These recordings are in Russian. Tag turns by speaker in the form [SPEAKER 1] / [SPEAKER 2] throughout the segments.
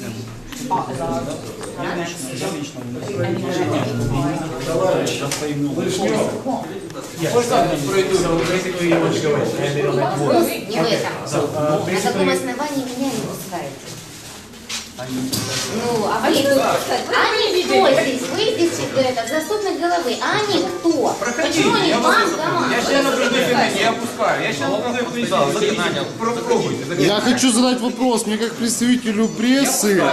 [SPEAKER 1] На каком основании меня не пускаете? Ну, а вы тут... Они кто здесь? Вы здесь в заступник головы. А они кто? Почему они вам командуют?
[SPEAKER 2] Я сейчас не опускаю. Я сейчас попробуйте.
[SPEAKER 3] Я хочу задать вопрос. Мне как представителю прессы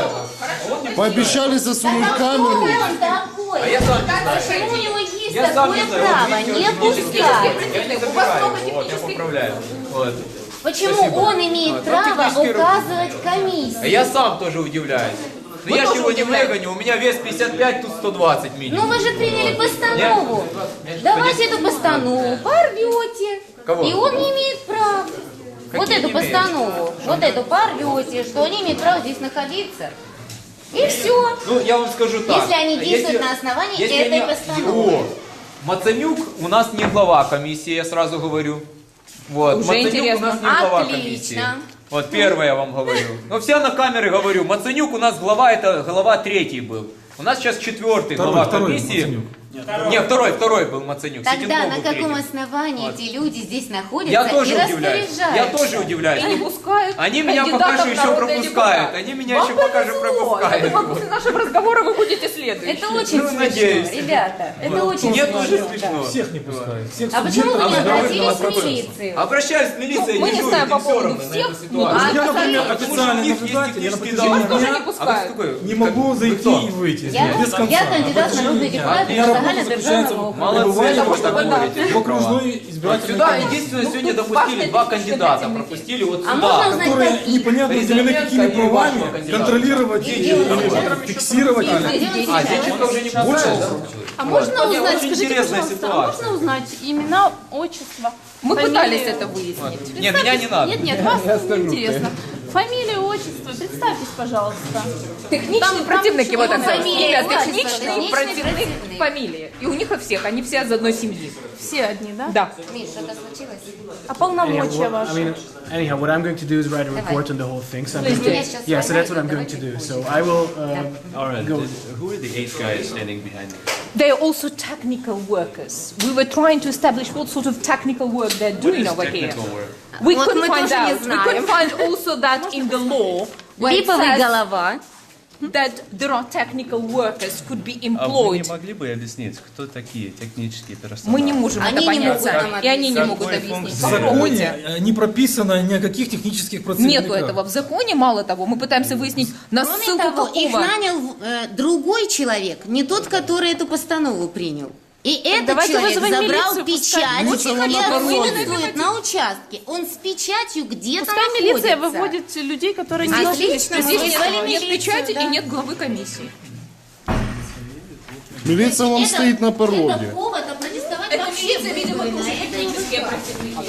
[SPEAKER 3] пообещали засунуть камеру.
[SPEAKER 1] Кто он такой?
[SPEAKER 2] А я сам не знаю.
[SPEAKER 1] Почему у него есть
[SPEAKER 2] Я сам
[SPEAKER 1] такое
[SPEAKER 2] не знаю.
[SPEAKER 1] право
[SPEAKER 2] Вот видите,
[SPEAKER 1] не
[SPEAKER 2] вот видите,
[SPEAKER 1] пускать?
[SPEAKER 2] Я не забираю. Вот, я поправляю. Вот.
[SPEAKER 1] Почему
[SPEAKER 2] Спасибо.
[SPEAKER 1] он имеет право указывать комиссии?
[SPEAKER 2] Я сам тоже удивляюсь. Но я же его не выгоню, у меня вес 55, тут 120 минимум.
[SPEAKER 1] Ну вы же приняли постанову. Давайте эту постанову порвете.
[SPEAKER 2] Кого?
[SPEAKER 1] И он не имеет права. Вот эту постанову, вот эту порвете, что они имеют право здесь находиться. И все.
[SPEAKER 2] Ну, я вам скажу так.
[SPEAKER 1] Если они действуют на основании этой постановы.
[SPEAKER 2] О, Мацанюк у нас не глава комиссии, я сразу говорю. Вот.
[SPEAKER 4] Уже
[SPEAKER 2] Мацанюк
[SPEAKER 4] интересно.
[SPEAKER 2] у нас не глава
[SPEAKER 1] Отлично.
[SPEAKER 2] комиссии. Вот первое я вам говорю. Но все на камеры говорю. Мацанюк у нас глава, это глава 3 был. У нас сейчас 4-й глава комиссии. Нет, второй был Мацанюк.
[SPEAKER 1] Тогда
[SPEAKER 2] Ситенков
[SPEAKER 1] на
[SPEAKER 2] был
[SPEAKER 1] каком
[SPEAKER 2] 3-й.
[SPEAKER 1] основании
[SPEAKER 2] Вот.
[SPEAKER 1] эти люди здесь находятся
[SPEAKER 2] Я тоже
[SPEAKER 1] и
[SPEAKER 2] удивляюсь. Я
[SPEAKER 1] распоряжаются?
[SPEAKER 2] тоже удивляюсь.
[SPEAKER 4] И не пускают
[SPEAKER 2] Они меня пока
[SPEAKER 4] кандидатов
[SPEAKER 2] что
[SPEAKER 4] в
[SPEAKER 2] еще
[SPEAKER 4] народные
[SPEAKER 2] пропускают.
[SPEAKER 4] депутаты.
[SPEAKER 2] Они меня
[SPEAKER 4] Вам
[SPEAKER 2] еще пока что
[SPEAKER 4] повезло. Я
[SPEAKER 2] пропускают.
[SPEAKER 4] думаю, после нашего разговора вы будете следующие.
[SPEAKER 1] Это очень
[SPEAKER 2] Ну,
[SPEAKER 1] смешно,
[SPEAKER 2] надеюсь.
[SPEAKER 1] ребята. Это очень
[SPEAKER 2] Нет,
[SPEAKER 1] смешно.
[SPEAKER 2] уже смешно.
[SPEAKER 5] Всех не пускают. Всех
[SPEAKER 1] А почему вы не
[SPEAKER 2] А
[SPEAKER 1] обратились в
[SPEAKER 2] какой?
[SPEAKER 1] милицию?
[SPEAKER 2] Обращаюсь в милицию,
[SPEAKER 4] Мы не
[SPEAKER 2] дежурит,
[SPEAKER 4] знаем
[SPEAKER 2] им
[SPEAKER 4] по
[SPEAKER 2] все
[SPEAKER 4] поводу
[SPEAKER 2] равно на
[SPEAKER 4] всех,
[SPEAKER 2] эту
[SPEAKER 4] ну,
[SPEAKER 2] ситуацию.
[SPEAKER 5] Я, например,
[SPEAKER 2] Потому что у
[SPEAKER 5] официальный
[SPEAKER 2] них есть
[SPEAKER 5] наблюдатель, я на
[SPEAKER 2] технический
[SPEAKER 5] протяжении
[SPEAKER 2] договор.
[SPEAKER 4] тоже не
[SPEAKER 5] дня
[SPEAKER 2] А вы
[SPEAKER 4] пускают.
[SPEAKER 2] кто такой?
[SPEAKER 5] не могу
[SPEAKER 2] Вы
[SPEAKER 5] зайти
[SPEAKER 2] кто?
[SPEAKER 5] и выйти.
[SPEAKER 1] Я
[SPEAKER 5] без конца.
[SPEAKER 1] кандидат в народный депутат
[SPEAKER 5] Я работа
[SPEAKER 1] Национального
[SPEAKER 5] заключается
[SPEAKER 1] державного
[SPEAKER 5] в
[SPEAKER 2] Молодцы,
[SPEAKER 5] пребывании
[SPEAKER 2] что вы так говорите.
[SPEAKER 5] в окружной избирательной
[SPEAKER 2] Сюда
[SPEAKER 5] комиссии,
[SPEAKER 2] единственное сегодня
[SPEAKER 4] Ну,
[SPEAKER 2] допустили
[SPEAKER 4] важно
[SPEAKER 2] 2
[SPEAKER 4] это
[SPEAKER 2] кандидата.
[SPEAKER 4] еще
[SPEAKER 2] Пропустили вот
[SPEAKER 1] А можно
[SPEAKER 2] сюда.
[SPEAKER 1] узнать,
[SPEAKER 5] которые
[SPEAKER 1] какие?
[SPEAKER 5] непонятно наделены какими
[SPEAKER 2] Президентская и вашего
[SPEAKER 5] правами
[SPEAKER 2] кандидата.
[SPEAKER 5] контролировать или фиксировать.
[SPEAKER 1] Где он
[SPEAKER 2] А,
[SPEAKER 1] сейчас?
[SPEAKER 2] Зинченко уже не
[SPEAKER 5] Больше
[SPEAKER 2] пускает, да?
[SPEAKER 6] А можно
[SPEAKER 2] Вот.
[SPEAKER 6] узнать,
[SPEAKER 2] Очень
[SPEAKER 6] скажите,
[SPEAKER 2] интересная
[SPEAKER 6] пожалуйста, а
[SPEAKER 2] ситуация.
[SPEAKER 6] можно узнать имена, отчество?
[SPEAKER 4] Мы
[SPEAKER 6] фамилии?
[SPEAKER 4] пытались это выяснить.
[SPEAKER 2] Не, меня не надо.
[SPEAKER 6] Нет, вас не интересно. Фамилия, отчество, представьтесь, пожалуйста.
[SPEAKER 4] Техничные
[SPEAKER 6] Там
[SPEAKER 4] противники, вот это.
[SPEAKER 1] фамилия,
[SPEAKER 4] Имя
[SPEAKER 1] отчество,
[SPEAKER 4] техничный
[SPEAKER 1] техничный
[SPEAKER 4] противник,
[SPEAKER 1] противник.
[SPEAKER 4] фамилия. И у них от всех, они все из одной семьи.
[SPEAKER 6] Все одни, да?
[SPEAKER 4] Да.
[SPEAKER 1] Миш, что-то случилось?
[SPEAKER 6] А полномочия
[SPEAKER 7] I
[SPEAKER 6] ваши?
[SPEAKER 7] mean, anyhow, what I'm going to do is write a report on the whole thing. So I'm
[SPEAKER 1] Please
[SPEAKER 7] going
[SPEAKER 1] do.
[SPEAKER 7] to, yeah, so that's what I'm going to do. So I will
[SPEAKER 8] All right.
[SPEAKER 7] go.
[SPEAKER 8] Who are the 8 guys standing behind you?
[SPEAKER 4] They are also technical workers. We were trying to establish what sort of technical work they're
[SPEAKER 8] What
[SPEAKER 4] doing
[SPEAKER 8] is
[SPEAKER 4] over here.
[SPEAKER 8] technical work?
[SPEAKER 4] We
[SPEAKER 1] Вот
[SPEAKER 4] couldn't
[SPEAKER 1] мы
[SPEAKER 4] find
[SPEAKER 1] тоже не
[SPEAKER 4] out. We
[SPEAKER 1] знаем.
[SPEAKER 4] couldn't find also that in the law where it
[SPEAKER 1] Липовый
[SPEAKER 4] says
[SPEAKER 1] голова.
[SPEAKER 4] that there are technical workers could be
[SPEAKER 8] А вы не
[SPEAKER 4] employed.
[SPEAKER 8] могли бы объяснить, кто такие технические персонажи?
[SPEAKER 4] Мы не можем
[SPEAKER 1] Они
[SPEAKER 4] это
[SPEAKER 1] не
[SPEAKER 4] понять
[SPEAKER 1] могут
[SPEAKER 4] сами.
[SPEAKER 1] нам
[SPEAKER 4] И они не
[SPEAKER 1] объяснить.
[SPEAKER 4] могут
[SPEAKER 8] Какой
[SPEAKER 4] объяснить.
[SPEAKER 5] В
[SPEAKER 8] функции?
[SPEAKER 4] Попробуйте.
[SPEAKER 5] законе не прописано ни о каких технических процедурах.
[SPEAKER 4] Нету этого в законе, мало того, мы пытаемся выяснить, на
[SPEAKER 1] Кроме
[SPEAKER 4] ссылку
[SPEAKER 1] того, их
[SPEAKER 4] какого.
[SPEAKER 1] нанял другой человек, не тот, который эту постанову принял. И этот
[SPEAKER 6] давайте
[SPEAKER 1] человек
[SPEAKER 6] вызовем
[SPEAKER 1] забрал
[SPEAKER 6] милицию,
[SPEAKER 1] печать
[SPEAKER 3] Милиция
[SPEAKER 1] и
[SPEAKER 3] вам на дороге.
[SPEAKER 1] отсутствует на участке. Он с печатью где-то
[SPEAKER 6] Пускай милиция
[SPEAKER 1] находится.
[SPEAKER 6] выводит людей, которые не
[SPEAKER 1] Отлично,
[SPEAKER 6] находятся
[SPEAKER 1] мы
[SPEAKER 4] Здесь
[SPEAKER 1] вызвали
[SPEAKER 4] нет
[SPEAKER 1] милицию,
[SPEAKER 4] печати
[SPEAKER 1] да.
[SPEAKER 4] и нет главы комиссии.
[SPEAKER 3] Милиция вам
[SPEAKER 1] Это-
[SPEAKER 3] стоит на
[SPEAKER 1] Это
[SPEAKER 3] пороге.
[SPEAKER 1] повод опротестовать
[SPEAKER 4] Это
[SPEAKER 1] во все
[SPEAKER 4] милиция, видимо,
[SPEAKER 1] выборы.
[SPEAKER 4] тоже
[SPEAKER 1] На это
[SPEAKER 4] технические противники.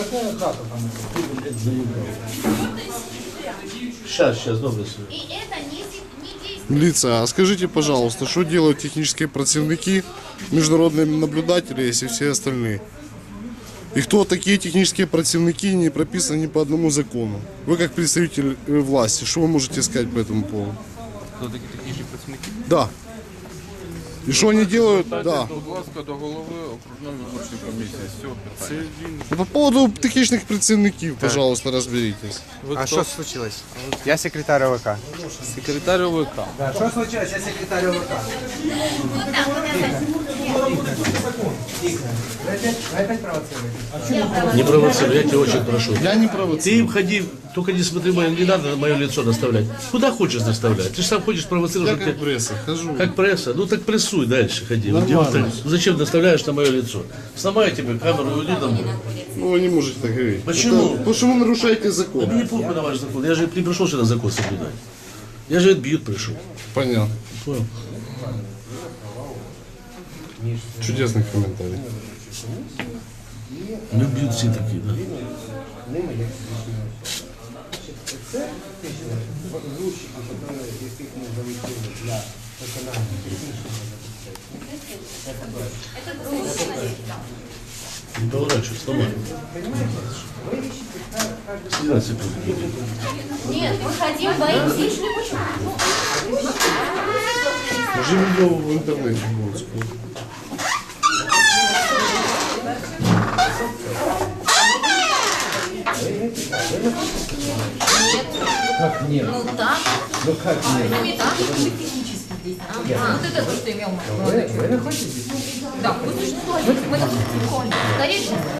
[SPEAKER 9] Сейчас, добре.
[SPEAKER 1] И это не действует.
[SPEAKER 3] Милиция, а скажите, пожалуйста, что делают технические противники, международные наблюдатели, если все остальные? И кто такие технические противники, не прописаны ни по одному закону? Вы как представитель власти, что вы можете сказать по этому поводу?
[SPEAKER 8] Кто такие технічні працівники?
[SPEAKER 3] Да. И что они делают? Да.
[SPEAKER 10] Будь ласка, до голови окружної виборчої комісії з цього питання.
[SPEAKER 3] Ну, по поводу технічних працівників, пожалуйста, разберитесь.
[SPEAKER 11] А що случилось? Я секретар ОВК.
[SPEAKER 10] Секретар ОВК.
[SPEAKER 11] Що случилось? Я секретар ОВК. Вы опять провоцируете?
[SPEAKER 9] Не провоцируй, я тебя очень прошу.
[SPEAKER 3] Я не провоцирую.
[SPEAKER 9] Ты входи, только не смотри, не надо мое лицо наставлять. Куда хочешь наставлять? Ты же сам хочешь провоцировать.
[SPEAKER 3] Я как пресса хожу.
[SPEAKER 9] Как пресса? Ну так прессуй дальше, ходи. Вот делай так. Ну, зачем наставляешь на мое лицо? Сломай тебе камеру и уйди домой.
[SPEAKER 3] Ну, вы не можете так говорить.
[SPEAKER 9] Почему?
[SPEAKER 3] Это- потому что вы нарушаете закон.
[SPEAKER 9] Да мне похуй на ваш закон. Я же не пришел сюда закон соблюдать. Я же отбьют пришел.
[SPEAKER 3] Понятно.
[SPEAKER 9] Понял?
[SPEAKER 3] Чудесный комментарий.
[SPEAKER 9] Не бьют все такие, да. Не поворачивай, сломай. 17 секунд.
[SPEAKER 1] Нет, мы хотим войти.
[SPEAKER 3] же видео в интернете будет скоро.
[SPEAKER 1] Как нет? Ну так.
[SPEAKER 11] Ну как нет?
[SPEAKER 1] Ну и так. Вот это то, что имел молодой человек.
[SPEAKER 11] Вы находитесь?
[SPEAKER 1] Да, мы существуем. Мы скорее всего.